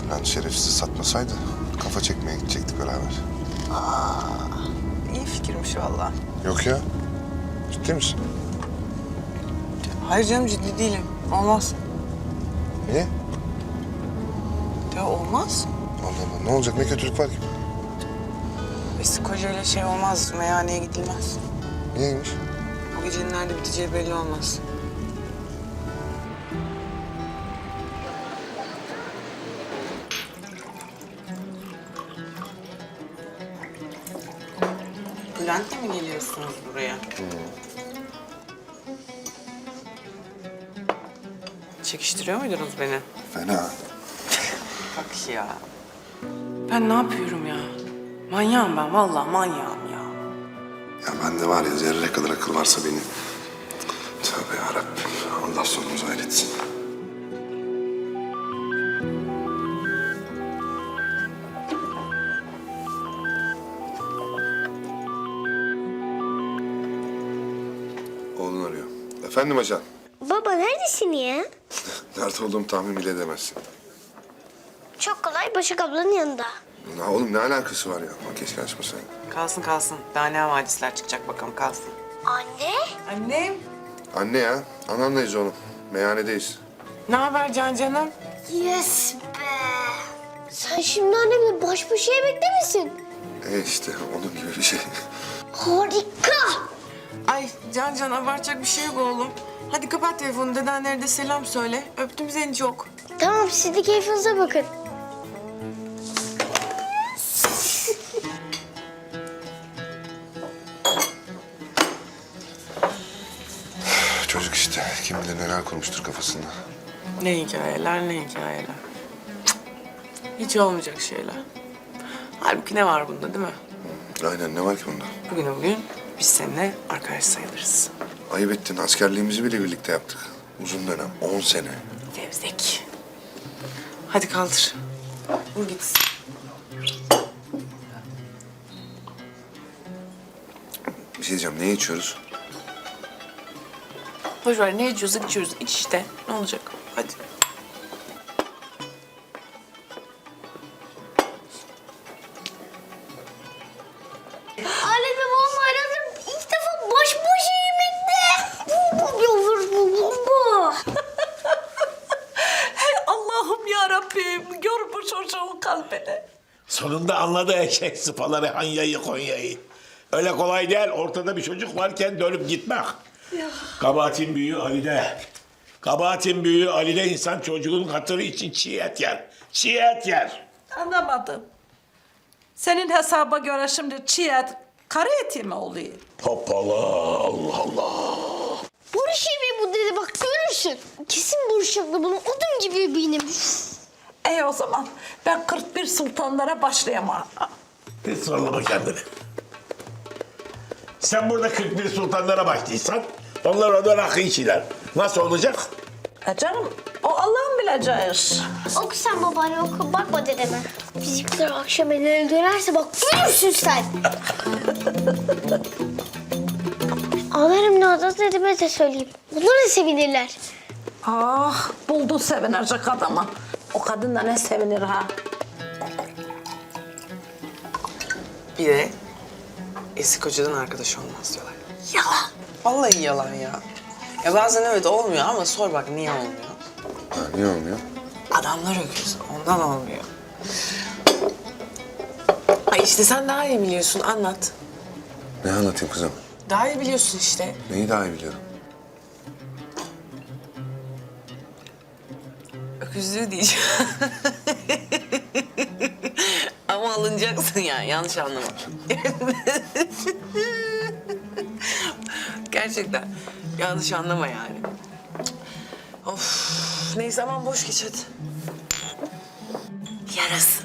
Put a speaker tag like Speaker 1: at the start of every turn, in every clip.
Speaker 1: Lan şerefsiz satmasaydı kafa çekmeye gidecektik beraber.
Speaker 2: İyi fikirmiş valla.
Speaker 1: Yok ya. Ciddi misin?
Speaker 2: Hayır canım, ciddi değilim. Olmaz.
Speaker 1: Niye?
Speaker 2: Ya olmaz.
Speaker 1: Allah Allah. Ne olacak? Ne kötülük var ki?
Speaker 2: Eski kocayla şey olmaz. Meyhaneye gidilmez.
Speaker 1: Niyeymiş?
Speaker 2: Bu gecenin nerede biteceği belli olmaz. Bülent'le mi geliyorsunuz buraya? Çekiştiriyor muydunuz beni?
Speaker 1: Fena.
Speaker 2: Bak ya. Ben ne yapıyorum ya? Manyağım ben, vallahi manyağım ya.
Speaker 1: Ya bende var ya zerre kadar akıl varsa benim. Tövbe yarabbim. Allah sonumuzu hayretsin. Oğlun arıyor. Efendim ajan.
Speaker 3: Baba neredesin ya?
Speaker 1: Nerede olduğumu tahmin bile edemezsin.
Speaker 3: Çok kolay Başak ablanın yanında.
Speaker 1: Ya oğlum ne alakası var ya? Bak keşke açmasaydın.
Speaker 2: Kalsın kalsın. Daha ne havadisler çıkacak bakalım, kalsın.
Speaker 3: Anne?
Speaker 2: Annem.
Speaker 1: Anne ya. Anamlayız oğlum. Meyhanedeyiz.
Speaker 2: Ne haber canım?
Speaker 3: Yes be. Sen şimdi annemle baş başa yemekte misin?
Speaker 1: İşte onun gibi bir şey.
Speaker 3: Harika.
Speaker 2: Ay Can abartacak bir şey yok oğlum. Hadi kapat telefonu, dedenlere de selam söyle. Öptüm seni çok.
Speaker 3: Tamam siz de keyfinize bakın.
Speaker 1: Çocuk işte. Kim bilir neler kurmuştur kafasında.
Speaker 2: Ne hikayeler, ne hikayeler. Cık, hiç olmayacak şeyler. Halbuki ne var bunda değil mi?
Speaker 1: Aynen ne var ki bunda?
Speaker 2: Bugün biz seninle arkadaş sayılırız.
Speaker 1: Ayıp ettin. Askerliğimizi bile birlikte yaptık. Uzun dönem. 10 sene.
Speaker 2: Fevzek. Hadi kaldır. Vur gitsin.
Speaker 1: Bir şey diyeceğim. Ne içiyoruz?
Speaker 2: Boş ver, ne içiyorsak içiyoruz. İç işte. Ne olacak? Hadi.
Speaker 3: Annemle babam aradım. İlk defa baş başa yemekte. Bu yavrum bu.
Speaker 4: Hey Allah'ım ya Rabbim, gör bu çocuğun kalbini.
Speaker 5: Sonunda anladı eşek sıpaları Hanya'yı Konya'yı. Öyle kolay değil ortada bir çocuk varken dönüp gitmek. Kabahatin büyüğü Ali'de. Kabahatin büyüğü Ali'de insan çocuğun hatırı için çiğ et yer. Çiğ et yer.
Speaker 4: Anlamadım. Senin hesaba göre şimdi çiğ et, kara eti mi oluyor?
Speaker 5: Hoppala Allah Allah.
Speaker 3: Barış yemeği bu dedi bak görürsün. Kesin Barış abla bunu odun gibi benim.
Speaker 4: İyi o zaman ben 41 sultanlara başlayamam.
Speaker 5: Bir sıralama kendini. Sen burada 41 sultanlara başlıysan onlar orada rakı içiler. Nasıl olacak?
Speaker 4: Canım o Allah'ın bileceği iş.
Speaker 3: Oku sen babaanne oku bakma dedeme. Bizimkiler akşam ellerine dönerse bak görürsün sen. Ağlarım Nazlı dedeme de söyleyeyim. Bunlar da sevinirler.
Speaker 4: Ah buldun sevinecek adamı. O kadın da ne sevinir ha.
Speaker 2: Bir de eski kocadan arkadaş olmaz diyorlar. Yalan. Vallahi yalan ya. Ya bazen evet olmuyor ama sor bak niye olmuyor.
Speaker 1: Ha, niye olmuyor?
Speaker 2: Adamlar öküz. Ondan olmuyor. Ay işte sen daha iyi biliyorsun. Anlat.
Speaker 1: Ne anlatayım kızım?
Speaker 2: Daha iyi biliyorsun işte.
Speaker 1: Neyi daha iyi biliyorum?
Speaker 2: Öküzlüğü diyeceğim. Ama alınacaksın yani. Yanlış anlama. Gerçekten. Yanlış anlama yani. Of. Neyse aman boş geç hadi. Yarasın.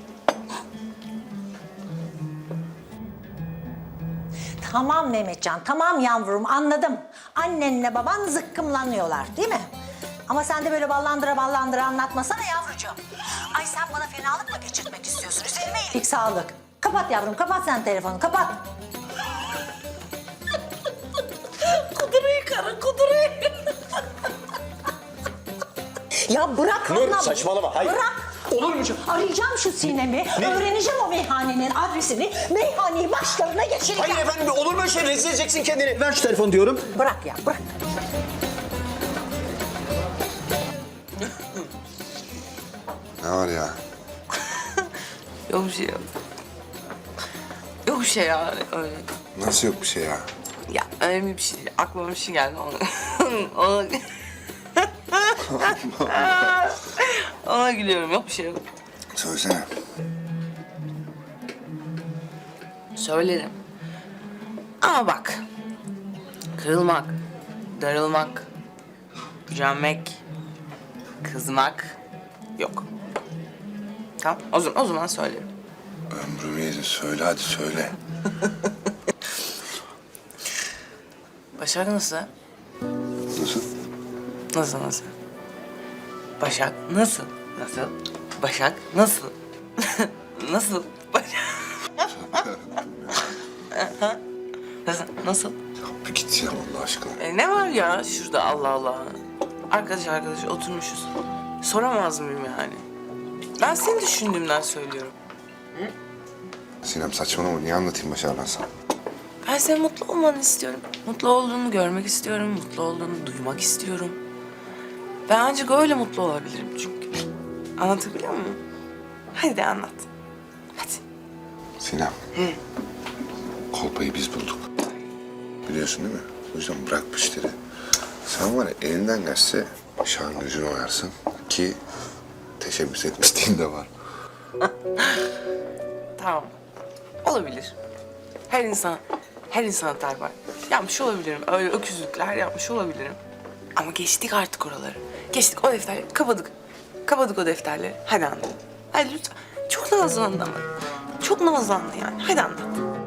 Speaker 6: Tamam Mehmetcan, tamam yavrum anladım. Annenle baban zıkkımlanıyorlar değil mi? Ama sen de böyle ballandıra ballandıra anlatmasana yavrucuğum. Ay sen bana fenalık mı geçirtmek istiyorsun? Üzerime iyilik sağlık. Kapat yavrum, kapat sen telefonu, kapat.
Speaker 4: Kuduruyu karı kuduruyu.
Speaker 6: Ya bırak
Speaker 5: Nur
Speaker 6: Allah.
Speaker 5: saçmalama hayır.
Speaker 6: Bırak.
Speaker 7: Olur mu canım?
Speaker 6: Arayacağım şu Sinem'i, öğreneceğim o meyhanenin adresini, meyhaneyi başlarına geçireceğim.
Speaker 7: Hayır efendim olur mu öyle şey? Rezil edeceksin kendini. Ver şu telefonu diyorum.
Speaker 6: Bırak ya, bırak.
Speaker 1: Ne var ya?
Speaker 2: Yok bir şey yok. Yok bir şey ya öyle.
Speaker 1: Nasıl yok bir şey ya?
Speaker 2: Ya önemli bir şey değil. Aklıma bir şey geldi ona. ona... ona gülüyorum. Yok bir şey yok.
Speaker 1: Söylesene.
Speaker 2: Söylerim. Ama bak. Kırılmak, darılmak, gücenmek, kızmak yok. Tamam, o zaman söylerim.
Speaker 1: Ömrümü yedin. Söyle hadi söyle.
Speaker 2: Başak nasıl?
Speaker 1: Nasıl?
Speaker 2: Nasıl? Başak nasıl? Nasıl? Başak nasıl? nasıl? Başak... nasıl?
Speaker 1: Ya bir git ya Allah aşkına.
Speaker 2: Ne var ya şurada Allah Allah. Arkadaş oturmuşuz. Soramaz mıyım yani? Ben seni düşündüğümden söylüyorum.
Speaker 1: Sinem saçmalama. Niye anlatayım Başar ben sana?
Speaker 2: Ben senin mutlu olmanı istiyorum. Mutlu olduğunu görmek istiyorum. Mutlu olduğunu duymak istiyorum. Ben ancak öyle mutlu olabilirim çünkü. Anlatabiliyor muyum? Hadi de anlat. Hadi.
Speaker 1: Sinem. Kolpayı biz bulduk. Biliyorsun değil mi? O yüzden bırak bu işleri. Sen var ya elinden gelse Başak'ın gözünü oyarsın ki teşebbüs etmişliğin de var.
Speaker 2: Tamam. Olabilir. Her insan hata var. Yapmış olabilirim. Öyle öküzlükler yapmış olabilirim. Ama geçtik artık oraları. Geçtik o defterleri. Kapadık. Kapadık o defterleri. Hadi anlat. Hadi lütfen. Çok nazlandın ama. Çok nazlandın yani. Hadi anlat.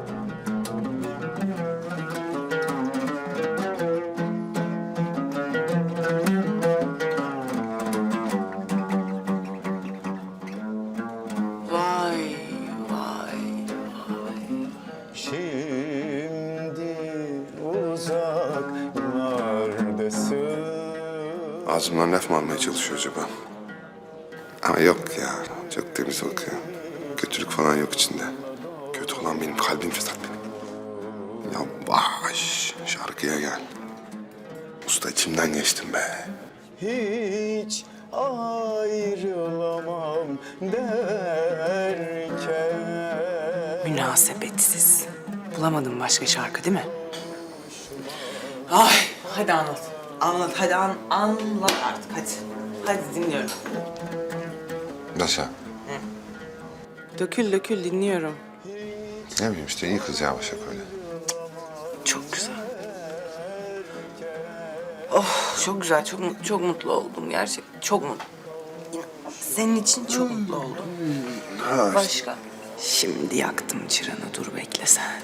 Speaker 2: Vay, vay, vay.
Speaker 8: Şimdi uzaklardasın.
Speaker 1: Ağzımdan laf mı almaya çalışıyor acaba? Ama yok ya. Çok temiz bakıyor. Kötülük falan yok içinde. Kötü olan benim kalbim fesat benim. Yavaş şarkıya gel. Usta içimden geçtim be.
Speaker 8: Hiç ayrılamam derken.
Speaker 2: Münasebetsiz. Bulamadım başka şarkı değil mi? Ay, hadi anlat. Anlat, hadi anlat artık hadi. Hadi dinliyorum.
Speaker 1: Nasıl?
Speaker 2: Dökül dinliyorum.
Speaker 1: Ne bileyim işte iyi kız ya Başak öyle.
Speaker 2: Çok güzel. Oh, çok güzel, çok mutlu oldum gerçekten. Çok mutlu. Senin için çok mutlu oldum.
Speaker 1: Ha,
Speaker 2: Başka? Şimdi yaktım çıranı, dur bekle sen.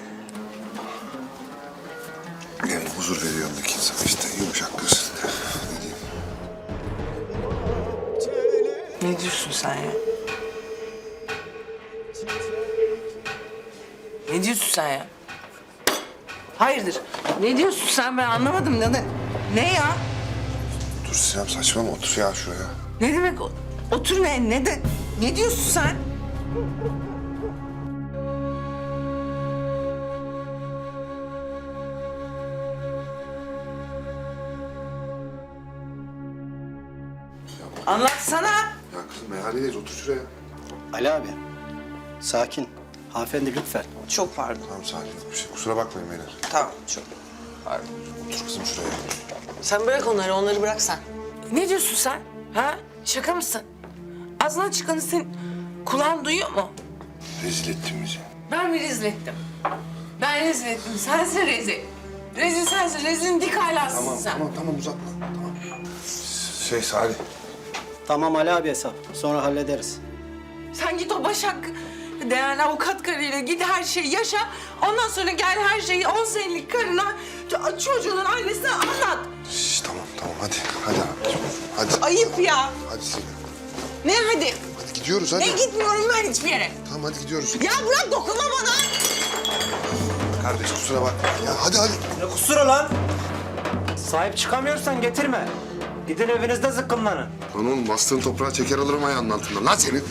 Speaker 1: yani huzur veriyor öndeki insan işte yumuşak kız. Ne diyeyim?
Speaker 2: Ne diyorsun sen ya? Ne diyorsun sen ya? Hayırdır? Ne diyorsun sen? Ben anlamadım. Ne ya?
Speaker 1: Dur Sinem saçmalama otur ya şuraya.
Speaker 2: Ne demek otur ne diyorsun sen? Anlatsana.
Speaker 1: Ya kızım meyhanedeyiz otur şuraya.
Speaker 7: Ali abi. Sakin. Hanımefendi lütfen.
Speaker 2: Çok pardon.
Speaker 1: Tamam sakin ol bir şey. Kusura bakmayın beyler.
Speaker 2: Tamam çok. Pardon.
Speaker 1: Otur kızım şuraya.
Speaker 2: Sen bırak onları bırak sen. Ne diyorsun sen? Ha? Şaka mısın? Ağzından çıkanı senin kulağın duyuyor mu?
Speaker 1: Rezil ettin bizi.
Speaker 2: Ben mi rezil ettim? Ben rezil ettim. Sensin rezil. Rezil sensin. Rezilin dik alasısın sen.
Speaker 1: Tamam uzatma. Tamam. Salih.
Speaker 7: Tamam Ali abi hesap. Sonra hallederiz.
Speaker 2: Sen git o Başak değerli avukat karıyla git her şeyi yaşa. Ondan sonra gel her şeyi 10 senelik karına, çocuğunun annesine anlat.
Speaker 1: Şş, tamam hadi abicim. Hadi.
Speaker 2: Ayıp ya.
Speaker 1: Hadi Sinem.
Speaker 2: Ne hadi?
Speaker 1: Hadi gidiyoruz hadi.
Speaker 2: Ne gitmiyorum ben hiçbir yere.
Speaker 1: Tamam hadi gidiyoruz.
Speaker 2: Ya bırak dokunma bana.
Speaker 1: Kardeş kusura bakma ya hadi.
Speaker 7: Ne kusura lan? Sahip çıkamıyorsan getirme. Gidin evinizde zıkkımlanın.
Speaker 1: Lan oğlum bastığın toprağı çeker alırım ayağının altından. Lan senin.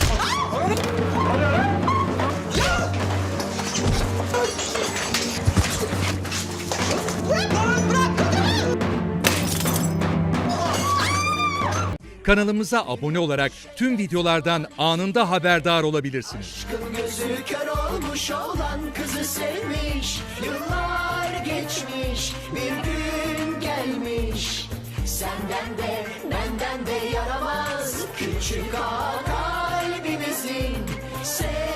Speaker 9: Kanalımıza abone olarak tüm videolardan anında haberdar olabilirsiniz.
Speaker 10: Gözü kör olmuş olan kızı sevmiş. Yıllar geçmiş, bir gün gelmiş. Senden de benden de yaramaz küçük ağa kalbimizin.